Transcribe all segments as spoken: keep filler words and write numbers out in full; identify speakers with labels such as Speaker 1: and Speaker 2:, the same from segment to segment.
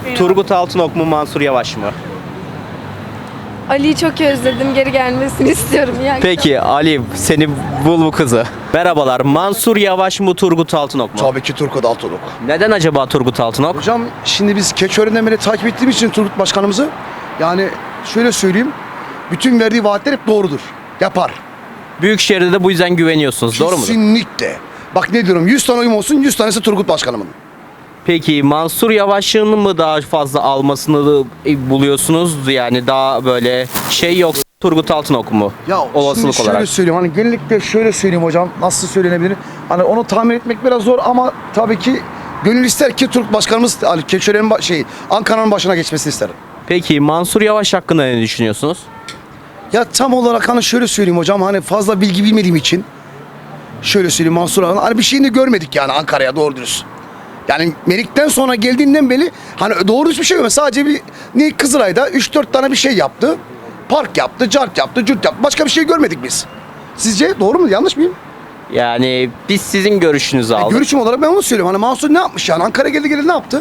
Speaker 1: Turgut Altınok mu Mansur Yavaş mı?
Speaker 2: Ali'yi çok özledim. Geri gelmesini istiyorum. Yani
Speaker 1: Peki Ali seni bul bu kızı. Merhabalar, Mansur Yavaş mı Turgut Altınok mu?
Speaker 3: Tabii ki Turgut Altınok.
Speaker 1: Neden acaba Turgut Altınok?
Speaker 3: Hocam şimdi biz Keçiören'den beri takip ettiğimiz için Turgut Başkanımızı yani şöyle söyleyeyim. Bütün verdiği vaatler hep doğrudur. Yapar.
Speaker 1: Büyükşehir'de de bu yüzden güveniyorsunuz, doğru mudur?
Speaker 3: Kesinlikle. Bak ne diyorum yüz tane oyum olsun yüz tanesi Turgut Başkanımın.
Speaker 1: Peki Mansur Yavaş'ın mı daha fazla almasını buluyorsunuz? Yani daha böyle şey yok Turgut Altınok mu?
Speaker 3: Ya
Speaker 1: Olasılık
Speaker 3: şimdi şöyle
Speaker 1: olarak.
Speaker 3: söyleyeyim hani genellikle şöyle söyleyeyim hocam nasıl söylenebilir? Hani onu tahmin etmek biraz zor ama tabii ki gönül ister ki Turgut Başkanımız hani Keçiören'in ba- şey Ankara'nın başına geçmesini isterim.
Speaker 1: Peki Mansur Yavaş hakkında ne düşünüyorsunuz?
Speaker 3: Ya tam olarak hani şöyle söyleyeyim hocam hani fazla bilgi bilmediğim için şöyle söyleyeyim Mansur Ağa'nın hani bir şeyini görmedik yani Ankara'ya doğru dürüst. Yani Melik'ten sonra geldiğinden beri hani doğru dürüst bir şey yok. Sadece bir ne Kızılay'da üç dört tane bir şey yaptı. Park yaptı, cart yaptı, cürt yaptı. Başka bir şey görmedik biz. Sizce doğru mu? Yanlış mıyım?
Speaker 1: Yani biz sizin görüşünüzü
Speaker 3: Yani
Speaker 1: aldık.
Speaker 3: görüşüm olarak ben onu söylüyorum. Hani Mansur ne yapmış yani? Ankara geldi geldi ne yaptı?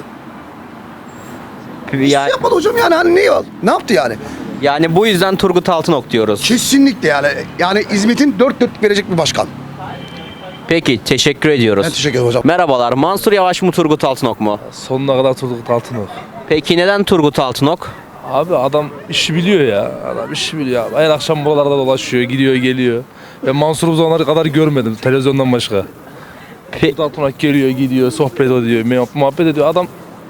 Speaker 3: Hiç
Speaker 1: Ya-
Speaker 3: yapmadı hocam yani hani ne, ne yaptı yani?
Speaker 1: Yani bu yüzden Turgut Altınok diyoruz.
Speaker 3: Kesinlikle yani. Yani hizmetin dört dörtlük verecek bir başkan.
Speaker 1: Peki teşekkür ediyoruz.
Speaker 3: Ben teşekkür ederim hocam.
Speaker 1: Merhabalar, Mansur Yavaş mı Turgut Altınok mu?
Speaker 4: Sonuna kadar Turgut Altınok.
Speaker 1: Peki neden Turgut Altınok?
Speaker 4: Abi adam işi biliyor ya. Adam işi biliyor abi. Her akşam buralarda dolaşıyor, gidiyor, geliyor. Ben Mansur'u bu zamanlara kadar görmedim televizyondan başka.
Speaker 1: Pe-
Speaker 4: Turgut Altınok geliyor, gidiyor, sohbet ediyor, muhab- muhabbet ediyor. Adam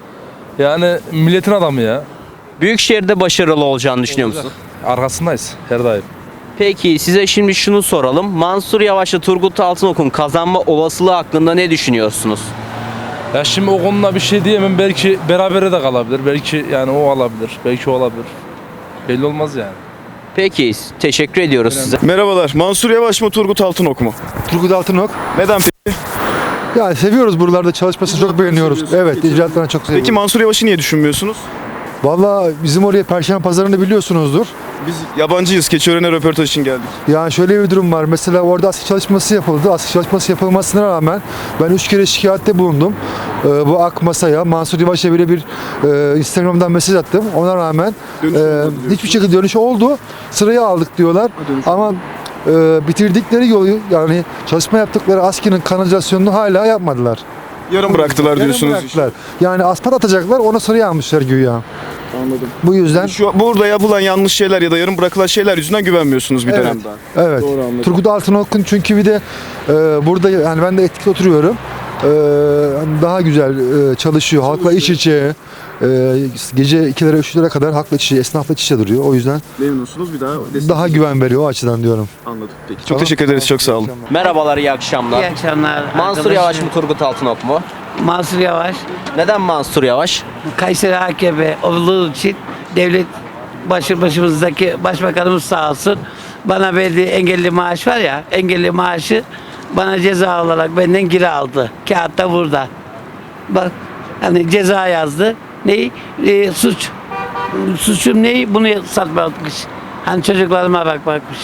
Speaker 4: yani milletin adamı ya.
Speaker 1: Büyükşehir'de başarılı olacağını düşünüyor musun?
Speaker 4: Arkasındayız her daim.
Speaker 1: Peki size şimdi şunu soralım. Mansur Yavaş'la Turgut Altınok'un kazanma olasılığı hakkında ne düşünüyorsunuz?
Speaker 4: Ya şimdi o konuda bir şey diyemem. Belki berabere de kalabilir. Belki yani o alabilir. Belki o olabilir. Belli olmaz yani.
Speaker 1: Peki teşekkür ediyoruz size.
Speaker 5: Merhabalar. Mansur Yavaş mı Turgut Altınok mu?
Speaker 6: Turgut Altınok.
Speaker 5: Neden peki?
Speaker 6: Yani seviyoruz buralarda çalışmasını çok beğeniyoruz. Evet, icraatlarını çok seviyoruz.
Speaker 5: Peki Mansur Yavaş'ı niye düşünmüyorsunuz?
Speaker 6: Vallahi bizim oraya Perşembe Pazarı'nı biliyorsunuzdur.
Speaker 5: Biz yabancıyız. Keçiören'e röportaj için geldik.
Speaker 6: Yani şöyle bir durum var. Mesela orada askı çalışması yapıldı. Askı çalışması yapılmasına rağmen ben üç kere şikayette bulundum. Ee, bu AK Masa'ya, Mansur Yavaş'a bile bir e, Instagram'dan mesaj attım. Ona rağmen
Speaker 5: Dönüş
Speaker 6: e,
Speaker 5: olmadı diyorsun.
Speaker 6: hiçbir şekilde dönüş oldu. Sırayı aldık diyorlar. Ama e, bitirdikleri yolu yani çalışma yaptıkları askının kanalizasyonunu hala yapmadılar.
Speaker 5: Yarım bıraktılar
Speaker 6: Yarım
Speaker 5: diyorsunuz.
Speaker 6: bıraktılar. Yani asfalt atacaklar, ona sıraya almışlar güya.
Speaker 5: Anladım.
Speaker 6: Bu yüzden
Speaker 5: Şu burada yapılan yanlış şeyler ya da yarım bırakılan şeyler yüzünden güvenmiyorsunuz bir
Speaker 6: Evet.
Speaker 5: dönemde.
Speaker 6: evet.
Speaker 5: Doğru anladım.
Speaker 6: Turgut Altınok'un çünkü bir de e, burada yani ben de etkili oturuyorum. E, hani daha güzel e, çalışıyor. Halkla iç içe. E, gece ikilere üçlere kadar halkla iç içe, esnafla iç içe duruyor. O yüzden
Speaker 5: Memnunsunuz bir daha.
Speaker 6: daha güven veriyor o açıdan diyorum.
Speaker 5: Anladım. Peki. Çok teşekkür ederiz. Çok sağ olun.
Speaker 1: Merhabalar, iyi akşamlar.
Speaker 7: İyi akşamlar.
Speaker 1: Mansur
Speaker 7: arkadaşlar.
Speaker 1: Yavaş mı Turgut Altınok mu?
Speaker 7: Mansur Yavaş.
Speaker 1: Neden Mansur Yavaş?
Speaker 7: Kayseri A K P olduğu için devlet başı başımızdaki başbakanımız sağ olsun bana verdiği engelli maaş var ya, engelli maaşı bana ceza olarak benden geri aldı. Kağıtta burada. Bak hani ceza yazdı. Neyi? Ee, suç. Suçum neyi? Bunu satmakmış. Hani çocuklarıma bakmakmış.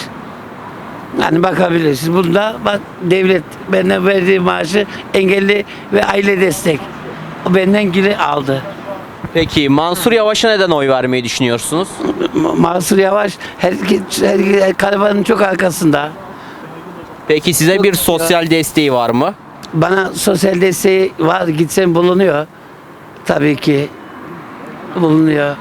Speaker 7: Hani bakabilirsiniz. Bunda bak devlet benden verdiği maaşı engelli ve aile destek. O benden geri aldı.
Speaker 1: Peki Mansur Yavaş'a neden oy vermeyi düşünüyorsunuz?
Speaker 7: Ma- Mansur Yavaş herkes, herkes karavanın çok arkasında.
Speaker 1: Peki size bir sosyal desteği var mı?
Speaker 7: Bana sosyal desteği var, gitsen bulunuyor. Tabii ki bulunuyor.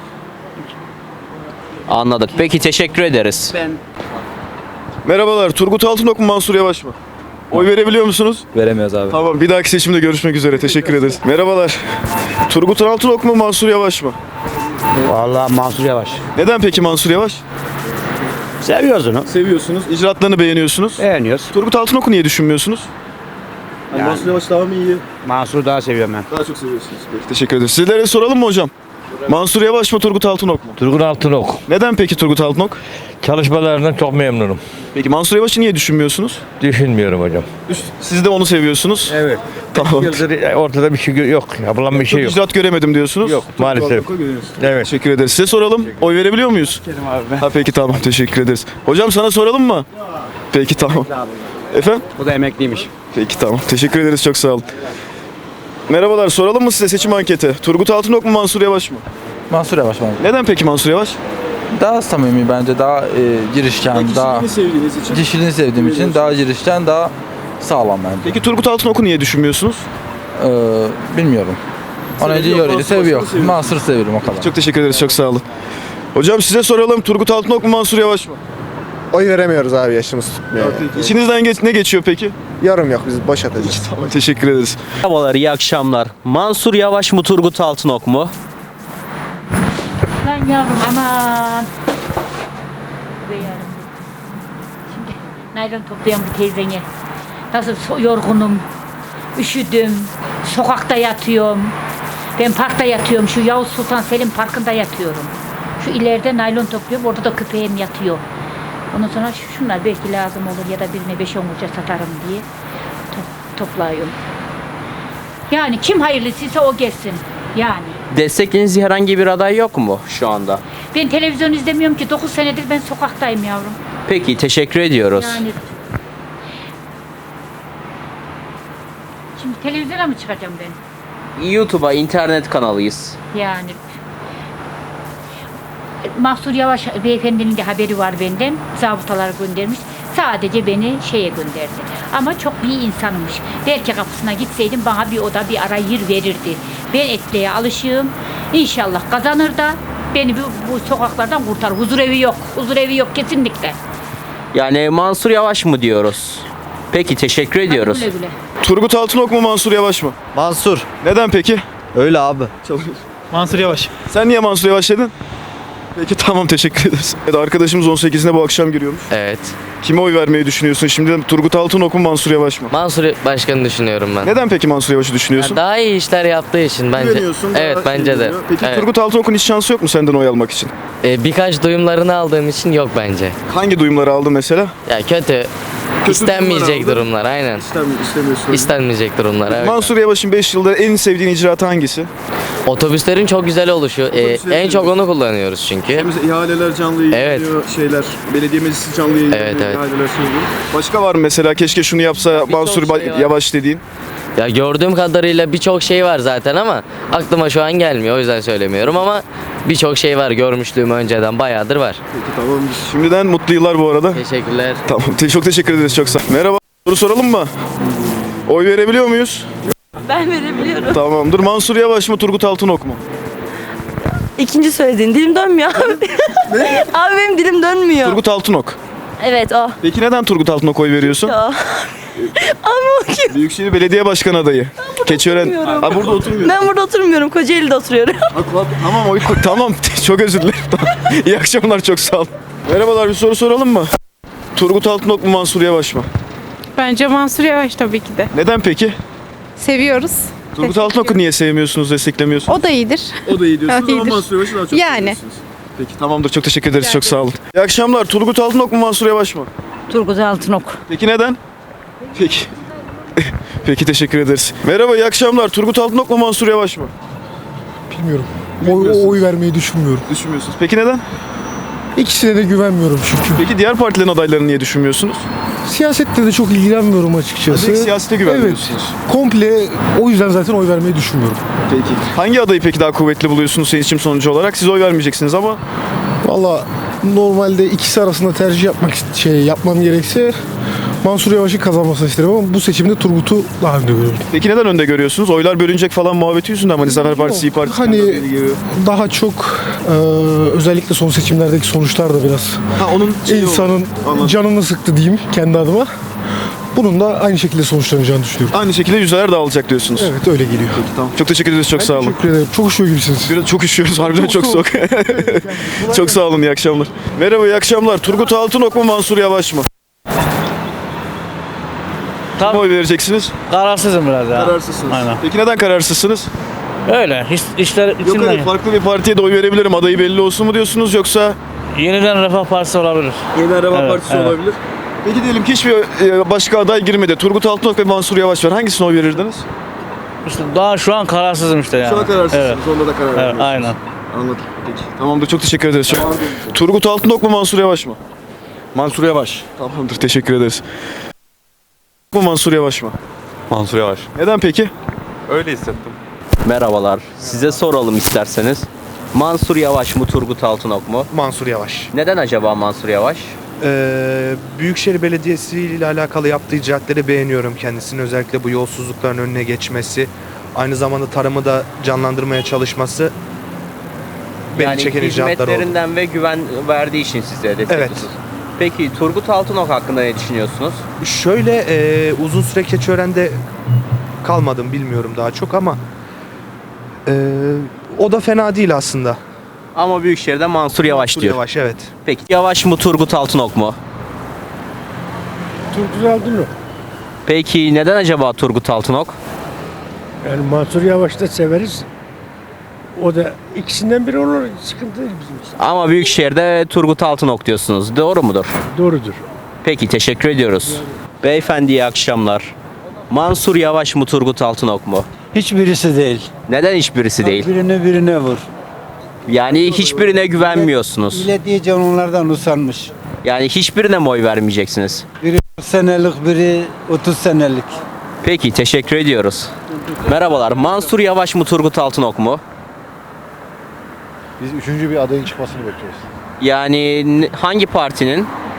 Speaker 1: Anladık. Peki teşekkür ederiz.
Speaker 7: Ben
Speaker 5: Merhabalar. Turgut Altınok mu Mansur Yavaş mı? Oy verebiliyor musunuz?
Speaker 4: Veremiyoruz abi.
Speaker 5: Tamam. Bir dahaki seçimde görüşmek üzere. Teşekkür ederiz. Merhabalar. Turgut Altınok mu Mansur Yavaş mı?
Speaker 8: Vallahi Mansur Yavaş.
Speaker 5: Neden peki Mansur Yavaş?
Speaker 8: Seviyoruz onu.
Speaker 5: Seviyorsunuz. İcraatlarını beğeniyorsunuz.
Speaker 8: Beğeniyoruz.
Speaker 5: Turgut Altınok'u niye düşünmüyorsunuz?
Speaker 8: Yani-
Speaker 5: Mansur Yavaş daha mı iyi?
Speaker 8: Mansur'u daha seviyorum ben.
Speaker 5: Daha çok seviyorsunuz. Peki, teşekkür ederim. Sizlere soralım mı hocam? Mansur Yavaş mı Turgut Altınok mu?
Speaker 9: Turgut Altınok.
Speaker 5: Neden peki Turgut Altınok?
Speaker 9: Çalışmalarından çok memnunum.
Speaker 5: Peki Mansur Yavaş'ı niye düşünmüyorsunuz?
Speaker 9: Düşünmüyorum hocam.
Speaker 5: Siz de onu seviyorsunuz.
Speaker 9: Evet.
Speaker 5: Tamam.
Speaker 9: Yıldır ortada bir şey gö- yok. Yapılan bir şey yok.
Speaker 5: İcraat göremedim diyorsunuz.
Speaker 9: Yok, maalesef. Evet.
Speaker 5: Teşekkür ederiz. Size soralım. Oy verebiliyor muyuz? Ha peki tamam. Teşekkür ederiz. Hocam sana soralım mı? Peki tamam. Efendim?
Speaker 8: O da emekliymiş.
Speaker 5: Peki tamam. Teşekkür ederiz. Çok sağ olun. Merhabalar, soralım mı size seçim anketi? Turgut Altınok mu Mansur Yavaş mı?
Speaker 4: Mansur Yavaş bence.
Speaker 5: Neden peki Mansur Yavaş?
Speaker 4: Daha samimi bence, daha e, girişken, daha
Speaker 5: sevdiğiniz için.
Speaker 4: kişiliğini sevdiğim için daha girişken, daha sağlam bence.
Speaker 5: Peki Turgut Altınok'u niye düşünmüyorsunuz?
Speaker 4: Ee, bilmiyorum. Onu önce
Speaker 5: Seviyor,
Speaker 4: yörüğü
Speaker 5: Mansur
Speaker 4: seviyor.
Speaker 5: Yavaş'ı seviyor.
Speaker 4: Mansur seviyorum o kadar.
Speaker 5: Çok teşekkür ederiz, çok sağ olun. Hocam size soralım, Turgut Altınok mu Mansur Yavaş mı?
Speaker 6: Oy veremiyoruz abi, yaşımız tutmuyor.
Speaker 5: İçinizden geç, ne geçiyor peki?
Speaker 6: Yorum yok, biz boş atacağız.
Speaker 5: Tamam, teşekkür ederiz.
Speaker 1: Merhabalar, iyi akşamlar. Mansur Yavaş mı Turgut Altınok mu?
Speaker 10: Lan yavrum aman. Be yavrum. Şimdi naylon toplayan bu teyzene. Nasıl so- yorgunum. Üşüdüm. Sokakta yatıyorum. Ben parkta yatıyorum. Şu Yavuz Sultan Selim Parkı'nda yatıyorum. Şu ileride naylon topluyorum. Orada da köpeğim yatıyor. Ondan sonra şu- şunlar belki lazım olur ya da birine beş on kuruşa satarım diye to- topluyorum. Yani kim hayırlısıysa o gelsin. Yani.
Speaker 1: Desteklediğiniz herhangi bir aday yok mu şu anda?
Speaker 10: Ben televizyon izlemiyorum ki. dokuz senedir ben sokaktayım yavrum.
Speaker 1: Peki, teşekkür ediyoruz.
Speaker 10: Yani. Şimdi televizyona mı çıkacağım ben?
Speaker 1: YouTube'a, internet kanalıyız.
Speaker 10: Yani. Mahsur Yavaş beyefendinin de haberi var benden. Zabıtalar göndermiş. Sadece beni şeye gönderdi. Ama çok iyi insanmış. Belki kapısına gitseydim bana bir oda bir ara yer verirdi. Ben etliğe alışığım. İnşallah kazanır da beni bu, bu sokaklardan kurtar. Huzur evi yok. Huzur evi yok kesinlikle.
Speaker 1: Yani Mansur Yavaş mı diyoruz? Peki, teşekkür ediyoruz.
Speaker 10: Güle güle.
Speaker 5: Turgut Altınok mu Mansur Yavaş mı?
Speaker 8: Mansur.
Speaker 5: Neden peki?
Speaker 8: Öyle abi.
Speaker 9: Mansur Yavaş.
Speaker 5: Sen niye Mansur Yavaş dedin? Peki tamam, teşekkür ederiz. Evet, arkadaşımız on sekizinde bu akşam giriyormuş.
Speaker 11: Evet.
Speaker 5: Kime oy vermeyi düşünüyorsun şimdi? Turgut Altınok mu Mansur Yavaş mı?
Speaker 11: Mansur Başkan'ı düşünüyorum ben.
Speaker 5: Neden peki Mansur Yavaş'ı düşünüyorsun?
Speaker 11: Daha iyi işler yaptığı için bence.
Speaker 5: Güveniyorsun, daha
Speaker 11: Evet
Speaker 5: iyi
Speaker 11: bence de.
Speaker 5: görünüyor. Peki
Speaker 11: Evet.
Speaker 5: Turgut Altınok'un hiç şansı yok mu senden oy almak için?
Speaker 11: Ee, birkaç duyumlarını aldığım için yok bence.
Speaker 5: Hangi duyumları aldın mesela?
Speaker 11: Ya kötü. İstenmeyecek durumlar, aynen.
Speaker 5: İstemiyorsun.
Speaker 11: İstenmeyecek durumlar, evet.
Speaker 5: Mansur Yavaş'ın beş yılda en sevdiğin icraatı hangisi?
Speaker 11: Otobüslerin çok güzel oluşu. Ee,
Speaker 5: Otobüsleri
Speaker 11: en çok
Speaker 5: seviyorsun.
Speaker 11: onu kullanıyoruz çünkü.
Speaker 5: Mesela ihaleler canlı yayınlanıyor, şeyler, belediye meclisi canlı yayınlanıyor,
Speaker 11: Evet, evet.
Speaker 5: ihaleler söylüyor. Başka var mı mesela keşke şunu yapsa Mansur
Speaker 11: şey
Speaker 5: Ba-
Speaker 11: var.
Speaker 5: Yavaş dediğin?
Speaker 11: Ya gördüğüm kadarıyla birçok şey var zaten ama aklıma şu an gelmiyor, o yüzden söylemiyorum ama birçok şey var, görmüşlüğüm önceden bayağıdır var.
Speaker 5: Peki tamam. Şimdiden mutlu yıllar bu arada.
Speaker 11: Teşekkürler.
Speaker 5: Tamam. te- Çok teşekkür ederiz, çok sağ ol. Merhaba. Soru soralım mı? Oy verebiliyor muyuz?
Speaker 2: Ben verebiliyorum.
Speaker 5: Tamamdır. Mansur Yavaş mı Turgut Altınok mu?
Speaker 2: İkinci söylediğin dilim dönmüyor abi. Abi benim dilim dönmüyor.
Speaker 5: Turgut Altınok.
Speaker 2: Evet o.
Speaker 5: Peki neden Turgut Altınok oy veriyorsun?
Speaker 2: Ya. Ama o kim?
Speaker 5: Büyükşehir Belediye Başkanı adayı. Keçiören.
Speaker 2: oturmuyorum.
Speaker 5: Ha, burada oturmuyor.
Speaker 2: Ben burada oturmuyorum. Kocaeli'de oturuyorum.
Speaker 5: Tamam oy tamam. Çok özür dilerim. Tamam. İyi akşamlar, çok sağ olun. Merhabalar, bir soru soralım mı? Turgut Altınok mu Mansur Yavaş mı?
Speaker 2: Bence Mansur Yavaş tabii ki de.
Speaker 5: Neden peki?
Speaker 2: Seviyoruz.
Speaker 5: Turgut Altınok'u niye sevmiyorsunuz, desteklemiyorsunuz?
Speaker 2: O da iyidir.
Speaker 5: O da iyi diyorsunuz ama
Speaker 2: İyidir.
Speaker 5: Mansur Yavaş'ı daha çok
Speaker 2: Yani.
Speaker 5: seviyorsunuz. Peki tamamdır, çok teşekkür ederiz, çok sağ olun. İyi akşamlar, Turgut Altınok mu Mansur Yavaş mı?
Speaker 10: Turgut Altınok.
Speaker 5: Peki neden? Peki. Peki teşekkür ederiz. Merhaba, iyi akşamlar. Turgut Altınok mu Mansur Yavaş mı?
Speaker 6: Bilmiyorum.
Speaker 5: Bilmiyorsunuz.
Speaker 6: Oy, oy vermeyi düşünmüyorum.
Speaker 5: Düşünmüyorsunuz. Peki neden?
Speaker 6: İkisine de güvenmiyorum çünkü.
Speaker 5: Peki diğer partilerin adaylarını niye düşünmüyorsunuz?
Speaker 6: Siyasette de çok ilgilenmiyorum açıkçası.
Speaker 5: Direkt siyasete güvenmiyorsunuz.
Speaker 6: Evet. Komple o yüzden zaten oy vermeyi düşünmüyorum.
Speaker 5: Peki. Hangi adayı peki daha kuvvetli buluyorsunuz seçim sonucu olarak? Siz oy vermeyeceksiniz ama
Speaker 6: Valla normalde ikisi arasında tercih yapmak şey yapmam gerekse Mansur Yavaş'ın kazanmasını isterim ama bu seçimde Turgut'u daha önde görüyorum.
Speaker 5: peki neden önde görüyorsunuz? Oylar bölünecek falan muhabbeti yüzünden mi? Hani Zafer Partisi, İYİ Partisi
Speaker 6: Hani
Speaker 5: kendi adayını geliyor.
Speaker 6: daha çok e, özellikle son seçimlerdeki sonuçlar da biraz
Speaker 5: Ha, onun şeyi
Speaker 6: insanın
Speaker 5: oldu. Anladım.
Speaker 6: canını sıktı diyeyim kendi adıma. Bunun da aynı şekilde sonuçlanacağını düşünüyorum.
Speaker 5: Aynı şekilde yüzdeler dağılacak diyorsunuz.
Speaker 6: Evet öyle geliyor.
Speaker 5: Tamam. Çok teşekkür ederiz. Çok sağ olun.
Speaker 6: Teşekkür ederim. Çok üşüyor gibisiniz.
Speaker 5: Biraz çok üşüyoruz. Harbiden çok,
Speaker 6: Çok
Speaker 5: soğuk. Çok sağ olun. İyi akşamlar. Merhaba, iyi akşamlar. Turgut Altınok mu Mansur Yavaş mı?
Speaker 8: Tam-
Speaker 5: Kime oy vereceksiniz?
Speaker 8: Kararsızım biraz ya.
Speaker 5: Kararsızsınız.
Speaker 8: Aynen.
Speaker 5: Peki neden kararsızsınız?
Speaker 8: Öyle. Hiç, işler
Speaker 5: Yok
Speaker 8: içimden.
Speaker 5: hayır, farklı bir partiye de oy verebilirim. Adayı belli olsun mu diyorsunuz yoksa
Speaker 8: Yeniden Refah Partisi olabilir.
Speaker 5: Yeniden Refah
Speaker 8: Evet,
Speaker 5: Partisi
Speaker 8: evet.
Speaker 5: olabilir? Peki diyelim ki hiçbir e, başka aday girmedi. Turgut Altınok ve Mansur Yavaş var. Hangisine oy verirdiniz?
Speaker 8: İşte daha şu an kararsızım işte yani. Evet.
Speaker 5: Onda da karar
Speaker 8: Evet, aynen.
Speaker 5: Anladım. Peki. Tamamdır. Çok teşekkür ederiz. Çok... Turgut Altınok mu Mansur Yavaş mı?
Speaker 9: Mansur Yavaş.
Speaker 5: Tamamdır. Teşekkür ederiz. Bu Mansur Yavaş mı?
Speaker 9: Mansur Yavaş.
Speaker 5: Neden peki?
Speaker 9: Öyle hissettim.
Speaker 1: Merhabalar. Size soralım isterseniz. Mansur Yavaş mı Turgut Altınok mu?
Speaker 12: Mansur Yavaş.
Speaker 1: Neden acaba Mansur Yavaş?
Speaker 12: Ee, Büyükşehir Belediyesi ile alakalı yaptığı icraatleri beğeniyorum kendisini. Özellikle bu yolsuzlukların önüne geçmesi, aynı zamanda tarımı da canlandırmaya çalışması beni
Speaker 1: Yani
Speaker 12: çeken icraatlar oldu.
Speaker 1: hizmetlerinden ve güven verdiği için size destekliyorsunuz.
Speaker 12: Evet.
Speaker 1: Peki Turgut Altınok hakkında ne düşünüyorsunuz?
Speaker 12: Şöyle e, uzun süre Keçiören'de kalmadım, bilmiyorum daha çok ama e, o da fena değil aslında.
Speaker 1: Ama Büyükşehir'de Mansur Yavaş
Speaker 12: Mansur
Speaker 1: diyor.
Speaker 12: Yavaş, evet.
Speaker 1: Peki Yavaş mı Turgut Altınok mu?
Speaker 13: Turgut Altınok.
Speaker 1: Peki neden acaba Turgut Altınok?
Speaker 13: Yani Mansur Yavaş'ı da severiz. O da ikisinden biri olur. Sıkıntı değil bizim için.
Speaker 1: Ama Büyükşehir'de Turgut Altınok diyorsunuz. Doğru mudur?
Speaker 13: Doğrudur.
Speaker 1: Peki teşekkür ediyoruz. Beyefendi iyi akşamlar. Mansur Yavaş mı Turgut Altınok mu?
Speaker 14: Hiçbirisi değil.
Speaker 1: Neden hiçbirisi değil?
Speaker 14: Birine birine vur.
Speaker 1: Yani hiçbirine güvenmiyorsunuz.
Speaker 14: Millet iyice onlardan usanmış.
Speaker 1: Yani hiçbirine mi oy vermeyeceksiniz?
Speaker 14: Biri kırk senelik, biri otuz senelik.
Speaker 1: Peki teşekkür ediyoruz. Merhabalar. Mansur Yavaş mı Turgut Altınok mu?
Speaker 6: Biz üçüncü bir adayın çıkmasını bekliyoruz.
Speaker 1: Yani n- hangi partinin?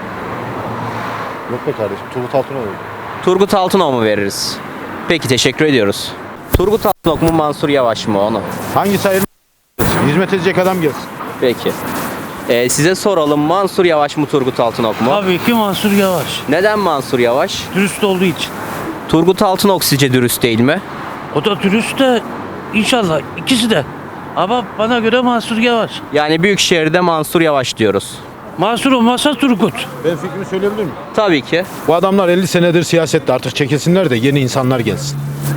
Speaker 6: Yok be kardeşim, Turgut Altınok oldu.
Speaker 1: Turgut Altınok mu veririz? Peki teşekkür ediyoruz. Turgut Altınok mu Mansur Yavaş mı onu?
Speaker 9: Hangisi hayırlı? Hizmet edecek adam gelsin.
Speaker 1: Peki. Ee, size soralım Mansur Yavaş mı Turgut Altınok mu?
Speaker 8: Tabii ki Mansur Yavaş.
Speaker 1: Neden Mansur Yavaş?
Speaker 8: Dürüst olduğu için.
Speaker 1: Turgut Altınok sizce dürüst değil mi?
Speaker 8: O da dürüst de inşallah ikisi de. Ama bana göre Mansur Yavaş.
Speaker 1: Yani Büyükşehir'de Mansur Yavaş diyoruz.
Speaker 8: Mansur olmasa Turgut.
Speaker 9: Ben fikrimi söyleyebilir miyim?
Speaker 1: Tabii ki.
Speaker 9: Bu adamlar elli senedir siyasette, artık çekilsinler de yeni insanlar gelsin.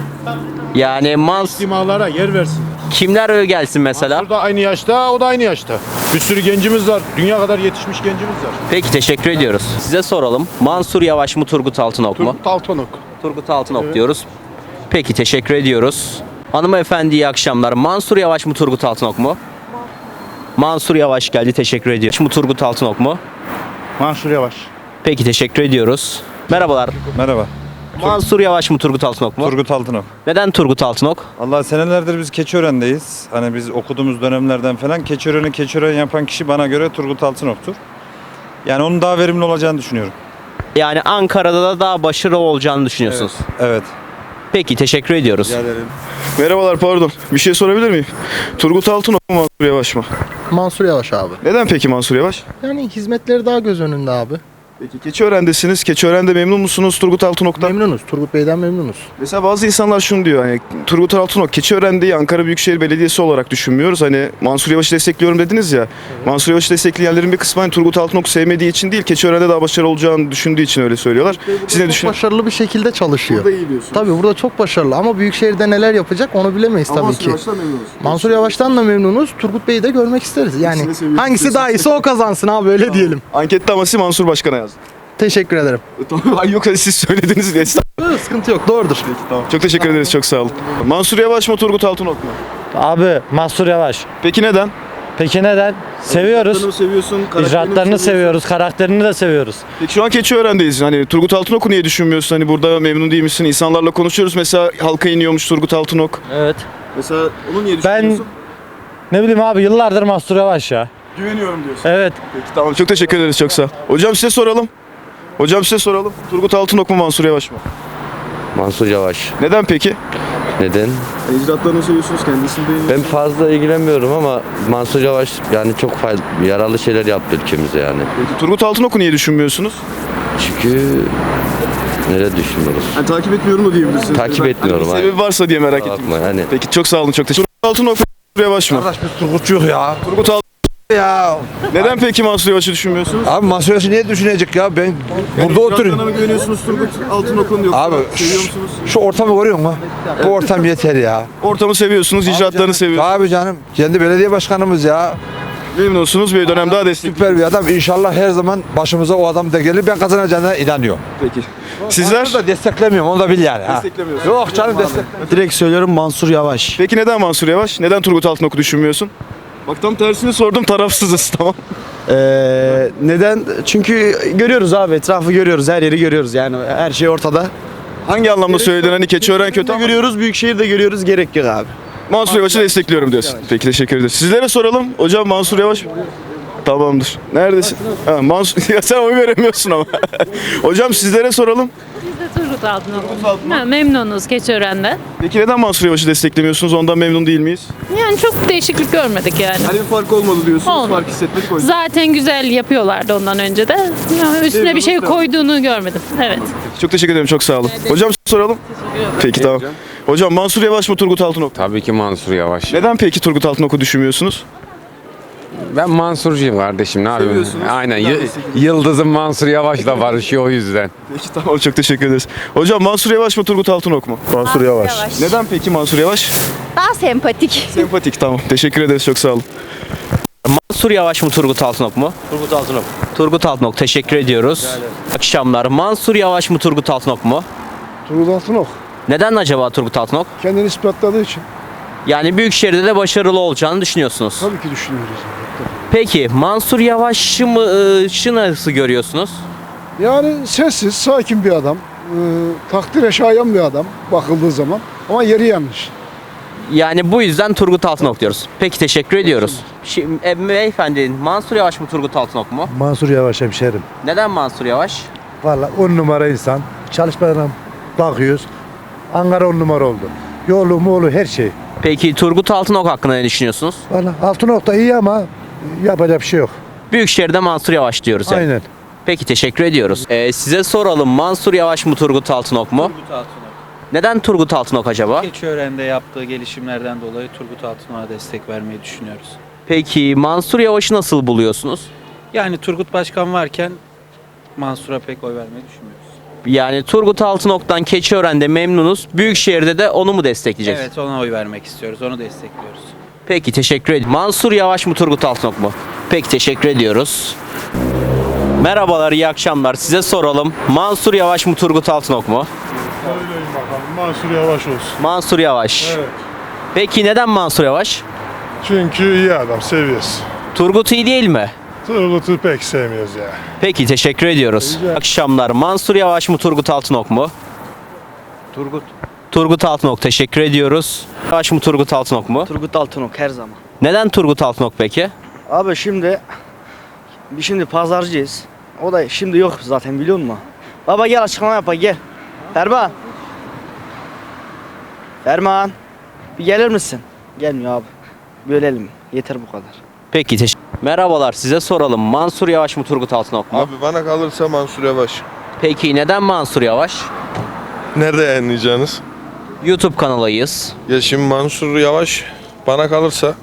Speaker 1: Yani Mans
Speaker 9: İstimalara yer versin.
Speaker 1: kimler öyle gelsin mesela?
Speaker 9: O da aynı yaşta, o da aynı yaşta. Bir sürü gencimiz var. Dünya kadar yetişmiş gencimiz var.
Speaker 1: Peki teşekkür ediyoruz. Size soralım. Mansur Yavaş mı Turgut Altınok mu?
Speaker 9: Turgut Altınok.
Speaker 1: Turgut Altınok diyoruz. Peki teşekkür ediyoruz. Hanımefendi iyi akşamlar. Mansur Yavaş mı Turgut Altınok mu? Mansur Yavaş geldi teşekkür ediyoruz. Mu Turgut Altınok mu?
Speaker 9: Mansur Yavaş.
Speaker 1: Peki teşekkür ediyoruz. Merhabalar.
Speaker 15: Merhaba.
Speaker 1: Mansur Yavaş mı Turgut Altınok mu?
Speaker 15: Turgut Altınok.
Speaker 1: Neden Turgut Altınok?
Speaker 15: Allah senelerdir biz Keçiören'deyiz. Hani biz okuduğumuz dönemlerden falan Keçiören'i Keçiören yapan kişi bana göre Turgut Altınok'tur. Yani onun daha verimli olacağını düşünüyorum.
Speaker 1: Yani Ankara'da da daha başarılı olacağını düşünüyorsunuz.
Speaker 15: Evet.
Speaker 1: Peki teşekkür ediyoruz.
Speaker 5: Rica ederim. Merhabalar, pardon. Bir şey sorabilir miyim? Turgut Altınok mu Mansur Yavaş mı?
Speaker 16: Mansur Yavaş abi.
Speaker 5: Neden peki Mansur Yavaş?
Speaker 16: Yani hizmetleri daha göz önünde abi.
Speaker 5: Peki Keçiören'desiniz. Keçiören'de memnun musunuz Turgut Altınok'tan?
Speaker 16: Memnunuz. Turgut Bey'den memnunuz.
Speaker 5: Mesela bazı insanlar şunu diyor, hani Turgut Altınok Keçiören'de Ankara Büyükşehir Belediyesi olarak düşünmüyoruz. Hani Mansur Yavaş'ı destekliyorum dediniz ya. Mansur Yavaş'ı destekleyenlerin bir kısmı hani Turgut Altınok'u sevmediği için değil, Keçiören'de daha başarılı olacağını düşündüğü için öyle söylüyorlar. Siz ne
Speaker 16: Çok
Speaker 5: düşünüyorsunuz?
Speaker 16: başarılı bir şekilde çalışıyor.
Speaker 5: Burada iyi diyorsunuz.
Speaker 16: Tabii burada çok başarılı ama Büyükşehir'de neler yapacak onu bilemeyiz
Speaker 5: Ama
Speaker 16: tabii
Speaker 5: Mansur
Speaker 16: ki.
Speaker 5: Yavaş'tan memnunuz.
Speaker 16: Mansur Yavaş'tan da memnunuz. Turgut Bey'i de görmek isteriz. Yani
Speaker 5: İkisini de seviyoruz
Speaker 16: hangisi
Speaker 5: diyorsun.
Speaker 16: daha iyiyse o kazansın abi öyle diyelim.
Speaker 5: Ankette ama siz Mansur Başkan'a yazdı.
Speaker 16: Teşekkür ederim.
Speaker 5: Ay yok, siz söylediniz diye.
Speaker 16: Sıkıntı yok doğrudur.
Speaker 5: Tamam. Çok teşekkür ederiz, çok sağ olun. Mansur Yavaş mı Turgut Altınok mu?
Speaker 17: Abi Mansur Yavaş.
Speaker 5: Peki neden?
Speaker 17: Peki neden? Seviyoruz.
Speaker 5: İcraatlarını seviyorsun, karakterini
Speaker 17: İcraatlarını
Speaker 5: seviyorsun.
Speaker 17: seviyoruz, karakterini de seviyoruz.
Speaker 5: Peki şu an Keçiören'deyiz. Hani Turgut Altınok'u niye düşünmüyorsun? Hani burada memnun değil misin? İnsanlarla konuşuyoruz. Mesela halka iniyormuş Turgut Altınok.
Speaker 17: Evet.
Speaker 5: Mesela onu niye
Speaker 17: Ben
Speaker 5: düşünmüyorsun?
Speaker 17: ne bileyim abi yıllardır Mansur Yavaş ya.
Speaker 5: Güveniyorum diyorsun.
Speaker 17: Evet.
Speaker 5: Peki tamam, çok teşekkür ederiz, çok sağ ol. Hocam size soralım. Hocam size soralım. Turgut Altınok mu Mansur Yavaş mı?
Speaker 18: Mansur Yavaş.
Speaker 5: Neden peki?
Speaker 18: Neden?
Speaker 5: İcraatlarını seviyorsunuz, kendisini beğeniyorsunuz.
Speaker 18: Ben fazla ilgilenmiyorum ama Mansur Yavaş yani çok faydalı, yararlı şeyler yaptı ülkemize yani.
Speaker 5: Peki Turgut Altınok'u niye düşünmüyorsunuz?
Speaker 18: Çünkü nereye düşünüyoruz?
Speaker 5: Yani takip etmiyorum da diyebilirsiniz.
Speaker 18: Takip
Speaker 5: Ben-
Speaker 18: etmiyorum,
Speaker 5: Hani bir
Speaker 18: hayır.
Speaker 5: sebebi varsa diye merak ettim.
Speaker 18: Bakma yani.
Speaker 5: Peki çok sağ olun, çok teşekkür ederim. Turgut Altınok mu Mansur Yavaş mı?
Speaker 6: Kardeş biz Turgutçuyuz ya.
Speaker 5: Turgut Altınok.
Speaker 6: Ya.
Speaker 5: Neden peki Mansur Yavaş'ı düşünmüyorsunuz?
Speaker 6: Abi Mansur Yavaş'ı niye düşünecek ya? Ben burada oturuyorum.
Speaker 5: mı güveniyorsunuz Turgut Altınok'un yoksa
Speaker 6: Abi
Speaker 5: seviyor
Speaker 6: şu,
Speaker 5: musunuz?
Speaker 6: şu ortamı görüyor musun? Bu ortam yeter ya.
Speaker 5: Ortamı seviyorsunuz, icraatlarını seviyorsunuz.
Speaker 6: Abi canım. Kendi belediye başkanımız ya.
Speaker 5: Memnunsunuz, bir dönem daha destek.
Speaker 6: Süper bir adam. İnşallah her zaman başımıza o adam da gelir. Ben kazanacağına inanıyorum.
Speaker 5: Peki. Sizler?
Speaker 6: da desteklemiyorum. Onu da bil yani. Ha.
Speaker 5: Desteklemiyorsunuz.
Speaker 6: Yok canım destek.
Speaker 19: Direkt söylüyorum Mansur Yavaş.
Speaker 5: Peki neden Mansur Yavaş? Neden Turgut Altınok'u düşünmüyorsun? Bak tam tersini sordum, tarafsızız, tamam.
Speaker 19: Ee, neden? Çünkü görüyoruz abi, etrafı görüyoruz, her yeri görüyoruz yani her şey ortada.
Speaker 5: Hangi anlamda söyledin? Hani Keçiören kötü ama
Speaker 19: görüyoruz, Büyükşehir'de görüyoruz, gerek yok abi.
Speaker 5: Mansur Yavaş'ı destekliyorum diyorsun. Peki teşekkür ederiz. Sizlere soralım. Hocam Mansur Yavaş. Tamamdır. Neredesin? Ha, Mansur ya sen oy veremiyorsun ama. Hocam sizlere soralım.
Speaker 20: Biz de Turgut Altınok. Ha, memnunuz Keçiören'de.
Speaker 5: Peki neden Mansur Yavaş'ı desteklemiyorsunuz? Ondan memnun değil miyiz?
Speaker 20: Yani çok değişiklik görmedik yani.
Speaker 5: Hani bir fark olmadı diyorsunuz.
Speaker 20: Olmadı.
Speaker 5: Fark hissetmedik o yüzden.
Speaker 20: Zaten güzel yapıyorlardı ondan önce de. Yani üstüne bir şey koyduğunu görmedim. Evet.
Speaker 5: Çok teşekkür ederim. Çok sağ olun. Hocam soralım. Peki tamam. Hocam Mansur Yavaş mı Turgut Altınok?
Speaker 21: Tabii ki Mansur Yavaş.
Speaker 5: Neden peki Turgut Altınok'u düşünmüyorsunuz?
Speaker 21: Ben Mansurcuyum kardeşim, ne yapayım?
Speaker 5: Seviyorsunuz.
Speaker 21: Aynen.
Speaker 5: Ben de
Speaker 21: Y-
Speaker 5: seviyorum.
Speaker 21: Yıldız'ım Mansur Yavaş'la barışıyor o yüzden.
Speaker 5: Peki tamam, çok teşekkür ederiz. Hocam Mansur Yavaş mı Turgut Altınok mu?
Speaker 22: Mansur Yavaş. Yavaş.
Speaker 5: Neden peki Mansur Yavaş?
Speaker 22: Daha sempatik.
Speaker 5: Sempatik, tamam. Teşekkür ederiz, çok sağ olun.
Speaker 1: Mansur Yavaş mı Turgut Altınok mu?
Speaker 19: Turgut Altınok.
Speaker 1: Turgut Altınok, teşekkür ediyoruz. Akşamlar. Mansur Yavaş mı Turgut Altınok mu?
Speaker 23: Turgut Altınok.
Speaker 1: Neden acaba Turgut Altınok?
Speaker 23: Kendini ispatladığı için.
Speaker 1: Yani Büyükşehir'de de başarılı olacağını düşünüyorsunuz.
Speaker 23: Tabii ki düşünüyoruz.
Speaker 1: Peki Mansur Yavaş'ı mı ıı, nasıl görüyorsunuz?
Speaker 23: Yani sessiz, sakin bir adam. Ee, takdire şayan bir adam bakıldığı zaman. Ama yeri yanlış.
Speaker 1: Yani bu yüzden Turgut Altınok diyoruz. Peki teşekkür ediyoruz. Şimdi, e, beyefendi Mansur Yavaş mı Turgut Altınok mu?
Speaker 6: Mansur Yavaş hemşerim.
Speaker 1: Neden Mansur Yavaş?
Speaker 6: Valla on numara insan. Çalışmalarına bakıyoruz. Ankara on numara oldu. Yolu moğlu her şey.
Speaker 1: Peki Turgut Altınok hakkında ne düşünüyorsunuz?
Speaker 6: Valla Altınok da iyi ama yapacak bir şey yok.
Speaker 1: Büyükşehir'de Mansur Yavaş diyoruz. yani.
Speaker 6: Aynen.
Speaker 1: Peki teşekkür ediyoruz. Ee, size soralım Mansur Yavaş mı Turgut Altınok mu?
Speaker 24: Turgut Altınok.
Speaker 1: Neden Turgut Altınok acaba?
Speaker 24: Keçiören'de yaptığı gelişimlerden dolayı Turgut Altınok'a destek vermeyi düşünüyoruz.
Speaker 1: Peki Mansur Yavaş'ı nasıl buluyorsunuz?
Speaker 24: Yani Turgut Başkan varken Mansur'a pek oy vermeyi düşünmüyoruz.
Speaker 1: Yani Turgut Altınok'tan Keçiören'de memnunuz. Büyükşehir'de de onu mu destekleyeceksiniz?
Speaker 24: Evet, ona oy vermek istiyoruz. Onu destekliyoruz.
Speaker 1: Peki teşekkür ederim. Mansur Yavaş mı Turgut Altınok mu? Peki teşekkür ediyoruz. Merhabalar, iyi akşamlar. Size soralım. Mansur Yavaş mı Turgut Altınok mu?
Speaker 25: Söyleyin bakalım. Mansur Yavaş olsun.
Speaker 1: Mansur Yavaş.
Speaker 25: Evet.
Speaker 1: Peki neden Mansur Yavaş?
Speaker 25: Çünkü iyi adam, seviyoruz.
Speaker 1: Turgut iyi değil mi?
Speaker 25: Turgut'u pek sevmiyoruz ya.
Speaker 1: Peki teşekkür ediyoruz. İyi akşamlar. Mansur Yavaş mı Turgut Altınok mu?
Speaker 19: Turgut.
Speaker 1: Turgut Altınok, teşekkür ediyoruz. Yavaş mı Turgut Altınok mu?
Speaker 19: Turgut Altınok her zaman.
Speaker 1: Neden Turgut Altınok peki?
Speaker 19: Abi şimdi biz şimdi pazarcıyız. O da şimdi yok zaten, biliyor musun? Baba gel açıklama yap, gel. Ferman. Ferman. Bir gelir misin? Gelmiyor abi. Bölelim. Yeter bu kadar.
Speaker 1: Peki teşekkür. Merhabalar, size soralım. Mansur Yavaş mı Turgut Altınok mu?
Speaker 26: Abi bana kalırsa Mansur Yavaş.
Speaker 1: Peki neden Mansur Yavaş?
Speaker 26: Nerede yayınlayacaksınız?
Speaker 1: YouTube kanalıyız.
Speaker 26: Ya şimdi Mansur Yavaş bana kalırsa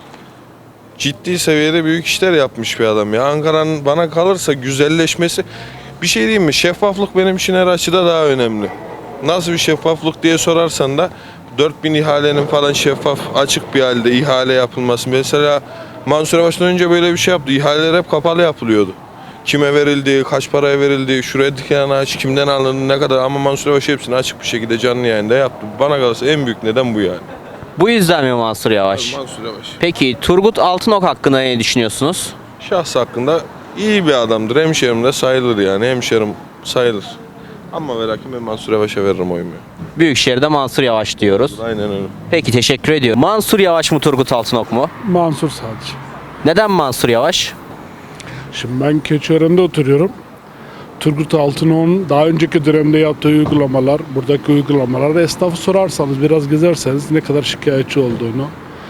Speaker 26: ciddi seviyede büyük işler yapmış bir adam ya. Ankara'nın bana kalırsa güzelleşmesi, bir şey diyeyim mi? Şeffaflık benim için her açıda daha önemli. Nasıl bir şeffaflık diye sorarsan da dört bin ihalenin falan şeffaf, açık bir halde ihale yapılması. Mesela Mansur Yavaş'tan önce böyle bir şey yaptı. İhaleler hep kapalı yapılıyordu. Kime verildi, kaç paraya verildi, şuraya diken ağaç, kimden alındı, ne kadar, ama Mansur Yavaş hepsini açık bir şekilde canlı yayında yaptı. Bana kalırsa en büyük neden bu yani.
Speaker 1: Bu yüzden mi Mansur Yavaş?
Speaker 26: Mansur Yavaş.
Speaker 1: Peki Turgut Altınok hakkında ne düşünüyorsunuz?
Speaker 26: Şahs hakkında iyi bir adamdır. Hemşerim de sayılır yani. Hemşerim sayılır. Ama ve lakin ben Mansur Yavaş'a veririm oyumu.
Speaker 1: Büyükşehir'de Mansur Yavaş diyoruz.
Speaker 26: Aynen öyle.
Speaker 1: Peki teşekkür ediyorum. Mansur Yavaş mı Turgut Altınok mu?
Speaker 13: Mansur sadece.
Speaker 1: Neden Mansur Yavaş?
Speaker 13: Şimdi ben Keçiören'de oturuyorum. Turgut Altınok'un daha önceki dönemde yaptığı uygulamalar, buradaki uygulamalarda esnafı sorarsanız, biraz gezerseniz ne kadar şikayetçi olduğunu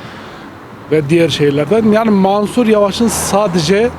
Speaker 13: ve diğer şeylerden. Yani Mansur Yavaş'ın sadece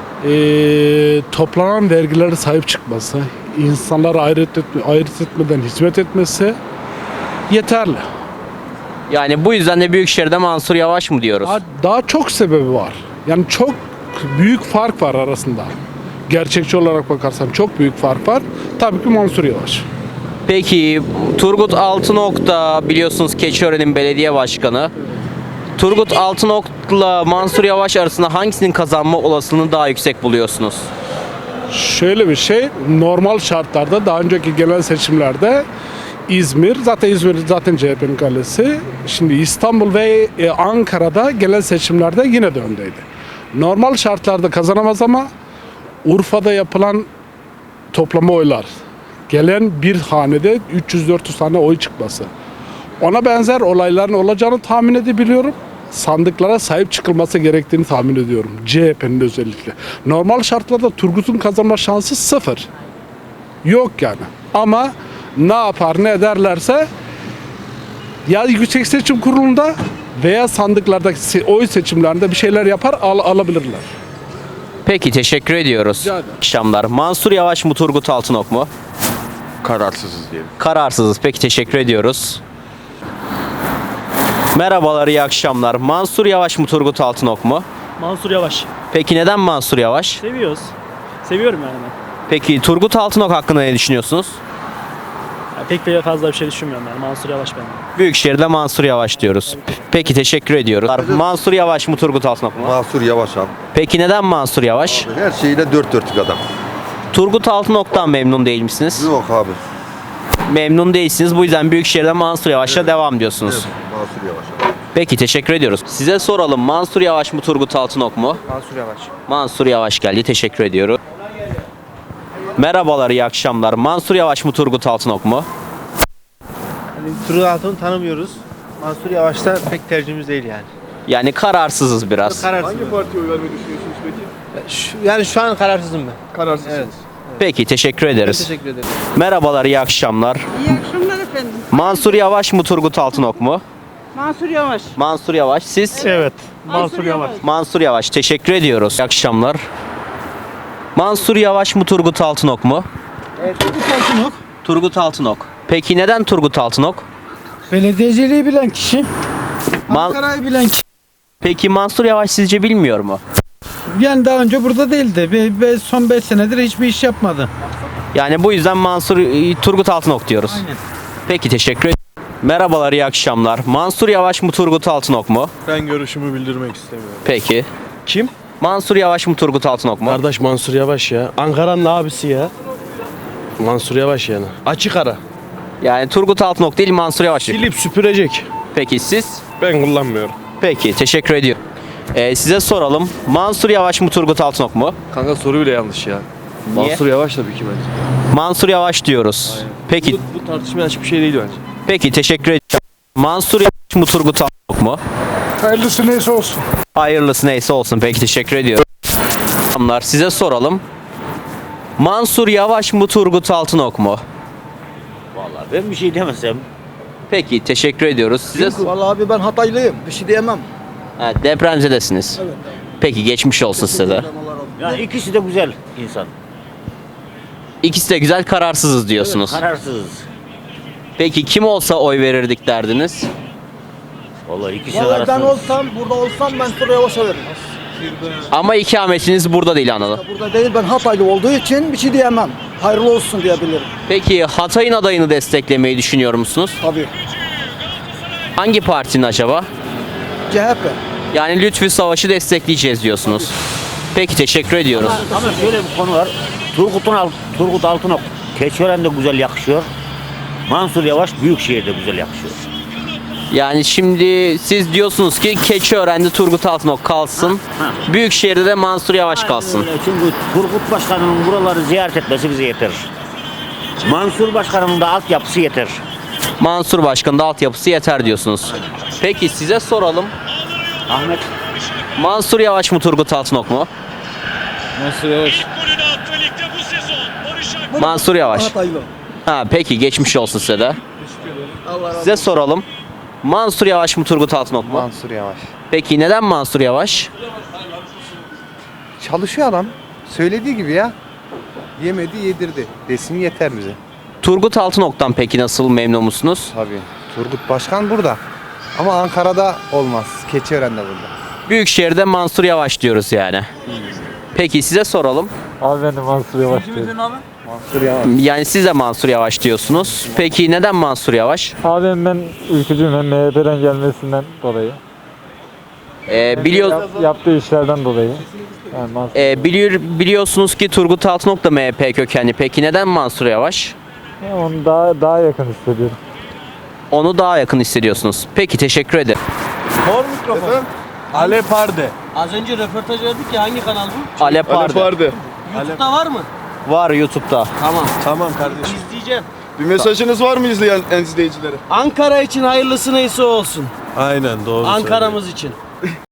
Speaker 13: e, toplanan vergilere sahip çıkması, insanlara ayırt, etme, ayırt etmeden hizmet etmesi yeterli.
Speaker 1: Yani bu yüzden de Büyükşehir'de Mansur Yavaş mı diyoruz?
Speaker 13: Daha, daha çok sebebi var. Yani çok büyük fark var arasında. Gerçekçi olarak bakarsan çok büyük fark var. Tabii ki Mansur Yavaş.
Speaker 1: Peki Turgut Altınok da biliyorsunuz Keçiören'in belediye başkanı. Turgut Altınok'la Mansur Yavaş arasında hangisinin kazanma olasılığını daha yüksek buluyorsunuz?
Speaker 13: Şöyle bir şey, normal şartlarda daha önceki genel seçimlerde İzmir, zaten İzmir zaten C H P'nin kalesi. Şimdi İstanbul ve Ankara'da genel seçimlerde yine de öndeydi. Normal şartlarda kazanamaz ama Urfa'da yapılan toplama oylar, gelen bir hanede üç yüz dört yüz tane oy çıkması. Ona benzer olayların olacağını tahmin edebiliyorum. Sandıklara sahip çıkılması gerektiğini tahmin ediyorum. C H P'nin özellikle. Normal şartlarda Turgut'un kazanma şansı sıfır. Yok yani. Ama ne yapar ne ederlerse ya Yüksek Seçim Kurulu'nda veya sandıklardaki se- oy seçimlerinde bir şeyler yapar al- alabilirler.
Speaker 1: Peki teşekkür ediyoruz.
Speaker 13: Rica ederim.
Speaker 1: Akşamlar. Mansur Yavaş mı Turgut Altınok mu?
Speaker 21: Kararsızız diyelim.
Speaker 1: Kararsızız. Peki teşekkür ediyoruz. Merhabalar, iyi akşamlar. Mansur Yavaş mı Turgut Altınok mu?
Speaker 2: Mansur Yavaş.
Speaker 1: Peki neden Mansur Yavaş?
Speaker 2: Seviyoruz. Seviyorum yani ben.
Speaker 1: Peki Turgut Altınok hakkında ne düşünüyorsunuz?
Speaker 2: Ya pek de fazla bir şey düşünmüyorum yani. Mansur Yavaş ben.
Speaker 1: Büyükşehir'de Mansur Yavaş diyoruz. Peki teşekkür ediyoruz. Mansur Yavaş mı Turgut Altınok mu?
Speaker 3: Mansur Yavaş abi.
Speaker 1: Peki neden Mansur Yavaş?
Speaker 3: Her şeyiyle dört dörtlük adam.
Speaker 1: Turgut Altınok'tan memnun değil misiniz?
Speaker 3: Yok abi.
Speaker 1: Memnun değilsiniz. Bu yüzden Büyükşehir'de Mansur Yavaş'la devam diyorsunuz.
Speaker 3: Evet, Mansur Yavaş abi.
Speaker 1: Peki teşekkür ediyoruz. Size soralım. Mansur Yavaş mı Turgut Altınok mu?
Speaker 12: Mansur Yavaş.
Speaker 1: Mansur Yavaş geldi. Teşekkür ediyorum. Merhabalar, iyi akşamlar. Mansur Yavaş mı Turgut Altınok mu?
Speaker 12: Hani Turgut Altınok'u tanımıyoruz. Mansur Yavaş'ta pek tercihimiz değil yani.
Speaker 1: Yani kararsızız biraz.
Speaker 12: Kararsız.
Speaker 5: Hangi partiye oy vermeyi düşünüyorsunuz peki?
Speaker 12: Şu- yani şu an kararsızım ben.
Speaker 5: Kararsızsınız.
Speaker 12: Evet.
Speaker 1: Peki teşekkür ederiz.
Speaker 12: Teşekkür ederim.
Speaker 1: Merhabalar, iyi akşamlar.
Speaker 4: İyi akşamlar efendim.
Speaker 1: Mansur Yavaş mı Turgut Altınok mu?
Speaker 4: Mansur Yavaş.
Speaker 1: Mansur Yavaş, siz?
Speaker 2: Evet.
Speaker 4: Mansur Yavaş.
Speaker 1: Mansur Yavaş, teşekkür ediyoruz. İyi akşamlar. Mansur Yavaş mı Turgut Altınok mu?
Speaker 4: Turgut Altınok.
Speaker 1: Turgut Altınok. Peki neden Turgut Altınok?
Speaker 4: Belediyeciliği bilen kişi.
Speaker 1: Man-
Speaker 4: Ankara'yı bilen kişi.
Speaker 1: Peki Mansur Yavaş sizce bilmiyor mu?
Speaker 4: Yani daha önce burada değildi. Ve, ve son beş senedir hiçbir iş yapmadı.
Speaker 1: Yani bu yüzden Mansur e, Turgut Altınok diyoruz.
Speaker 4: Aynen.
Speaker 1: Peki teşekkür ederim. Merhabalar, iyi akşamlar. Mansur Yavaş mı Turgut Altınok mu?
Speaker 25: Ben görüşümü bildirmek istemiyorum.
Speaker 1: Peki.
Speaker 25: Kim?
Speaker 1: Mansur Yavaş mı Turgut Altınok mu?
Speaker 25: Kardeş Mansur Yavaş ya. Ankara'nın abisi ya. Mansur Yavaş yani. Açık ara.
Speaker 1: Yani Turgut Altınok değil, Mansur Yavaş.
Speaker 25: Silip süpürecek.
Speaker 1: Peki siz?
Speaker 25: Ben kullanmıyorum.
Speaker 1: Peki teşekkür ediyorum. Ee, size soralım. Mansur Yavaş mı Turgut Altınok mu?
Speaker 25: Kanka soru bile yanlış ya.
Speaker 1: Niye?
Speaker 25: Mansur Yavaş tabii ki bence.
Speaker 1: Mansur Yavaş diyoruz. Peki
Speaker 25: Bu, bu tartışmaya açık bir şey değil bence.
Speaker 1: peki teşekkür ediyorum. Mansur Yavaş mı Turgut Altınok mu?
Speaker 25: Hayırlısı neyse olsun.
Speaker 1: Hayırlısı neyse olsun. Peki teşekkür ediyorum. Selamlar, size soralım. Mansur Yavaş mı Turgut Altınok mu?
Speaker 8: Vallahi ben bir şey demesem.
Speaker 1: Peki teşekkür ediyoruz. Size
Speaker 4: Vallahi abi ben Hataylıyım. Bir şey diyemem.
Speaker 1: ha, depremzedesiniz.
Speaker 4: Evet.
Speaker 1: Peki geçmiş olsun size de.
Speaker 8: Ya ikisi de güzel insan.
Speaker 1: İkisi de güzel, kararsızız diyorsunuz.
Speaker 8: Kararsızız.
Speaker 1: Peki kim olsa oy verirdik derdiniz?
Speaker 8: Vallahi ikisi de
Speaker 4: Vallahi ben
Speaker 8: kararsız.
Speaker 4: olsam, burada olsam Mansur Yavaş'a veririm.
Speaker 1: Ama ikametiniz burada değil anladım.
Speaker 4: Burada değil, ben Hataylı olduğu için bir şey diyemem. Hayırlı olsun diyebilirim.
Speaker 1: Peki Hatay'ın adayını desteklemeyi düşünüyor musunuz?
Speaker 4: Tabii.
Speaker 1: Hangi partinin acaba?
Speaker 4: C H P.
Speaker 1: Yani Lütfü Savaş'ı destekleyeceğiz diyorsunuz. Peki teşekkür ediyoruz.
Speaker 8: Ama şöyle bir konu var. Turgut'un Alt- Turgut Altınok Keçiören'de güzel yakışıyor. Mansur Yavaş Büyükşehir'de güzel yakışıyor.
Speaker 1: Yani şimdi siz diyorsunuz ki Keçiören'de Turgut Altınok kalsın.
Speaker 8: Ha.
Speaker 1: Büyükşehir'de de Mansur Yavaş kalsın.
Speaker 8: Öyle. Çünkü Turgut Başkan'ın buraları ziyaret etmesi bize yeter. Mansur Başkan'ın da altyapısı yeter.
Speaker 1: Mansur Başkan'ın da altyapısı yeter diyorsunuz. Peki size soralım.
Speaker 8: Ahmet
Speaker 1: Mansur Yavaş mı Turgut Altınok mu?
Speaker 25: Mansur Yavaş.
Speaker 1: Mansur Yavaş.
Speaker 4: Hataylı.
Speaker 1: Ha peki geçmiş olsun size de. Size soralım. Mansur Yavaş mı Turgut Altınok mu?
Speaker 12: Mansur Yavaş.
Speaker 1: Peki neden Mansur Yavaş?
Speaker 12: Çalışıyor adam. Söylediği gibi ya. Yemedi yedirdi. Desin yeter bize.
Speaker 1: Turgut Altınok'tan peki nasıl, memnun musunuz?
Speaker 12: Tabii. Turgut Başkan burada. Ama Ankara'da olmaz. Keçiören'de burada.
Speaker 1: Büyükşehir'de Mansur Yavaş diyoruz yani. Peki size soralım.
Speaker 17: Abi ben de Mansur Yavaş diyorum.
Speaker 12: Mansur Yavaş.
Speaker 1: Yani siz de Mansur Yavaş diyorsunuz. Peki neden Mansur Yavaş?
Speaker 17: Abi hem ben ülkücüyüm hem M H P'den gelmesinden dolayı.
Speaker 1: Ee, biliyor,
Speaker 17: Yap- yaptığı işlerden dolayı. Yani Mansur
Speaker 1: e, biliyor, biliyorsunuz ki Turgut Altınok da M H P kökenli. Peki neden Mansur Yavaş?
Speaker 17: onu daha daha yakın hissediyorum.
Speaker 1: Onu daha yakın hissediyorsunuz. Peki teşekkür ederim.
Speaker 2: Hor mikrofon.
Speaker 25: Alep Arde.
Speaker 2: Az önce röportaj verdik ya, hangi kanal bu?
Speaker 1: Alep
Speaker 5: Alep
Speaker 1: vardı.
Speaker 5: vardı.
Speaker 2: YouTube'da var mı?
Speaker 1: Var YouTube'da.
Speaker 7: Tamam. Tamam kardeşim. İzleyeceğim.
Speaker 5: Bir mesajınız var mı izleyen izleyicilere?
Speaker 7: Ankara için hayırlısı neyse olsun. Aynen doğru Ankara'mız için.